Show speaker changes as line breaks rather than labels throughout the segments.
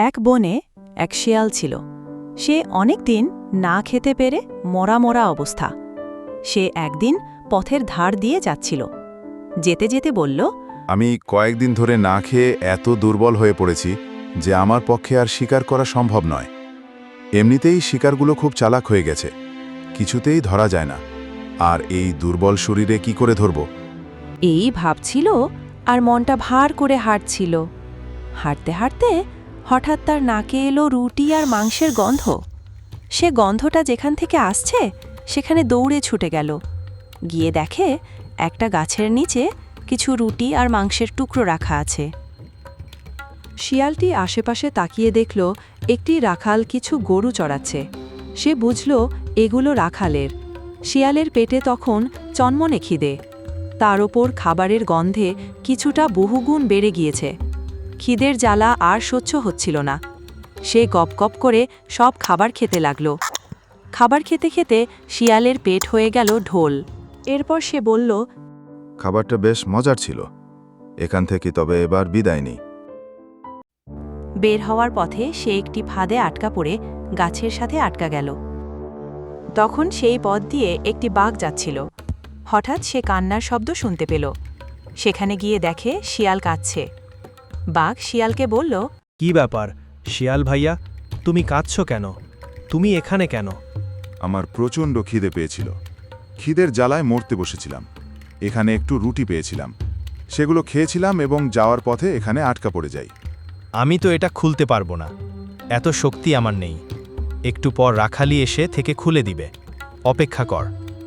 এক বনে এক শিয়াল ছিল। সে অনেক দিন না খেতে পেরে মরা মরা অবস্থা। সে একদিন পথের ধার দিয়ে যাচ্ছিল। যেতে যেতে বলল,
আমি কয়েকদিন ধরে না খেয়ে এত দুর্বল হয়ে পড়েছি যে আমার পক্ষে আর শিকার করা সম্ভব নয়। এমনিতেই শিকারগুলো খুব চালাক হয়ে গেছে, কিছুতেই ধরা যায় না। আর এই দুর্বল শরীরে কি করে ধরব?
এই ভাবছিল আর মনটা ভার করে হাঁটছিল। হাঁটতে হাঁটতে হঠাৎ তার নাকে এলো রুটি আর মাংসের গন্ধ। সে গন্ধটা যেখান থেকে আসছে সেখানে দৌড়ে ছুটে গেল। গিয়ে দেখে একটা গাছের নিচে কিছু রুটি আর মাংসের টুকরো রাখা আছে। শিয়ালটি আশেপাশে তাকিয়ে দেখল একটি রাখাল কিছু গরু চড়াচ্ছে। সে বুঝল এগুলো রাখালের। শিয়ালের পেটে তখন চনমনে খিদে। তার ওপর খাবারের গন্ধে কিছুটা বহুগুণ বেড়ে গিয়েছে। খিদের জ্বালা আর সহ্য হচ্ছিল না। সে গপ গপ করে সব খাবার খেতে লাগল। খাবার খেতে খেতে শিয়ালের পেট হয়ে গেল ঢোল। এরপর সে বলল,
খাবারটা বেশ মজার ছিল, এখান থেকে তবে এবার বিদায় নেই।
বের হওয়ার পথে সে একটি ফাঁদে আটকা পড়ে গাছের সাথে আটকা গেল। তখন সেই পথ দিয়ে একটি বাঘ যাচ্ছিল। হঠাৎ সে কান্নার শব্দ শুনতে পেল। সেখানে গিয়ে দেখে শিয়াল কাঁদছে। বাঘ শিয়ালকে বলল,
কি ব্যাপার শিয়াল ভাইয়া, তুমি কাঁদছো কেন? তুমি এখানে কেন?
আমার প্রচণ্ড খিদে পেয়েছিল, খিদের জ্বালায় মরতে বসেছিলাম। এখানে একটু রুটি পেয়েছিলাম, সেগুলো খেয়েছিলাম এবং যাওয়ার পথে এখানে আটকা পড়ে যাই।
আমি তো এটা খুলতে পারবো না, এত শক্তি আমার নেই। একটু পর রাখালি এসে থেকে খুলে দিবে, অপেক্ষা কর।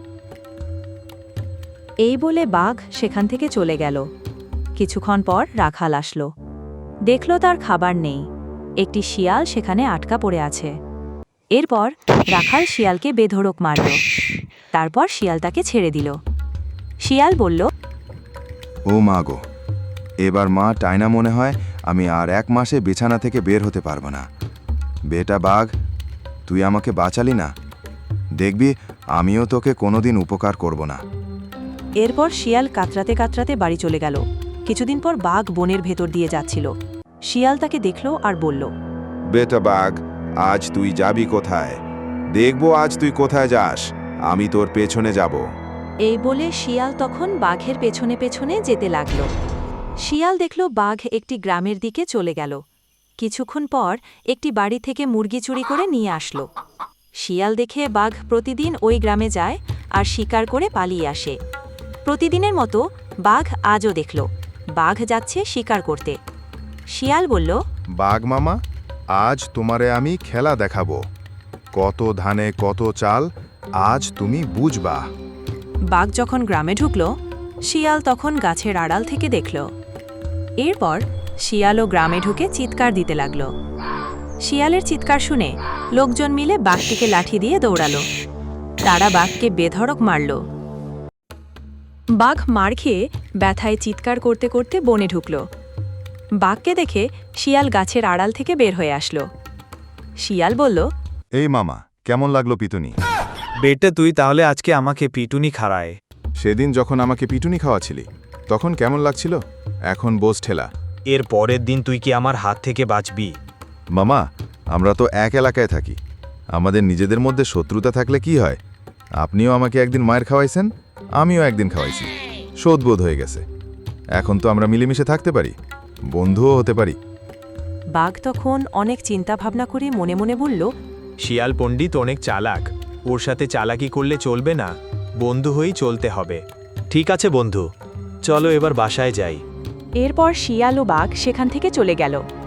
এই বলে বাঘ সেখান থেকে চলে গেল। কিছুক্ষণ পর রাখাল আসলো। দেখল তার খাবার নেই, একটি শিয়াল সেখানে আটকা পড়ে আছে। এরপর রাখাল শিয়ালকে বেধড়ক মারল। তারপর শিয়াল তাকে ছেড়ে দিল। শিয়াল বলল,
ও মা গো, এবার মা টাইনা মনে হয় আমি আর 1 মাসে বিছানা থেকে বের হতে পারবো না। বেটা বাঘ, তুই আমাকে বাঁচালি না, দেখবি আমিও তোকে কোনোদিন উপকার করব না।
এরপর শিয়াল কাতরাতে কাতরাতে বাড়ি চলে গেল। কিছুদিন পর বাঘ বনের ভেতর দিয়ে যাচ্ছিল। শিয়াল তাকে দেখল আর বলল,
বেটা বাঘ, আজ তুই যাবি কোথায়? দেখবো আজ তুই কোথায় যাস, আমি তোর পেছনে যাব।
এই বলে শিয়াল তখন বাঘের পেছনে পেছনে যেতে লাগল। শিয়াল দেখল বাঘ একটি গ্রামের দিকে চলে গেল। কিছুক্ষণ পর একটি বাড়ি থেকে মুরগি চুরি করে নিয়ে আসলো। শিয়াল দেখে বাঘ প্রতিদিন ওই গ্রামে যায় আর শিকার করে পালিয়ে আসে। প্রতিদিনের মতো বাঘ আজও দেখল বাঘ যাচ্ছে শিকার করতে। শিয়াল বলল,
বাঘ মামা, আজ তোমারে আমি খেলা দেখাবো। কত ধানে কত চাল, আজ তুমি বুঝবা।
বাঘ যখন গ্রামে ঢুকল, শিয়াল তখন গাছের আড়াল থেকে দেখল। এরপর শিয়ালও গ্রামে ঢুকে চিৎকার দিতে লাগল। শিয়ালের চিৎকার শুনে লোকজন মিলে বাঘটিকে লাঠি দিয়ে দৌড়ালো। তারা বাঘকে বেধড়ক মারল। বাঘ মার খেয়ে ব্যথায় চিৎকার করতে করতে বনে ঢুকল। বাঘকে দেখে শিয়াল গাছের আড়াল থেকে বের হয়ে আসলো। শিয়াল বলল,
এই মামা, কেমন লাগলো পিটুনি?
বেটা তুই তাহলে আজকে আমাকে পিটুনি খাড়ায়।
সেদিন যখন আমাকে পিটুনি খাওয়াছিলি তখন কেমন লাগছিল? এখন বোঝ ঠেলা।
এর পরের দিন তুই কি আমার হাত থেকে বাঁচবি?
মামা, আমরা তো এক এলাকায় থাকি, আমাদের নিজেদের মধ্যে শত্রুতা থাকলে কি হয়? আপনিও আমাকে একদিন মায়ের খাওয়াইছেন, আমিও একদিন খাওয়াইছি, শোধবোধ হয়ে গেছে। এখন তো আমরা মিলেমিশে থাকতে পারি, বন্ধুও হতে পারি।
বাঘ তখন অনেক চিন্তা ভাবনা করে মনে মনে বলল,
শিয়াল পণ্ডিত অনেক চালাক, ওর সাথে চালাকি করলে চলবে না, বন্ধু হয়েই চলতে হবে। ঠিক আছে বন্ধু, চলো এবার বাসায় যাই।
এরপর শিয়াল ও বাঘ সেখান থেকে চলে গেল।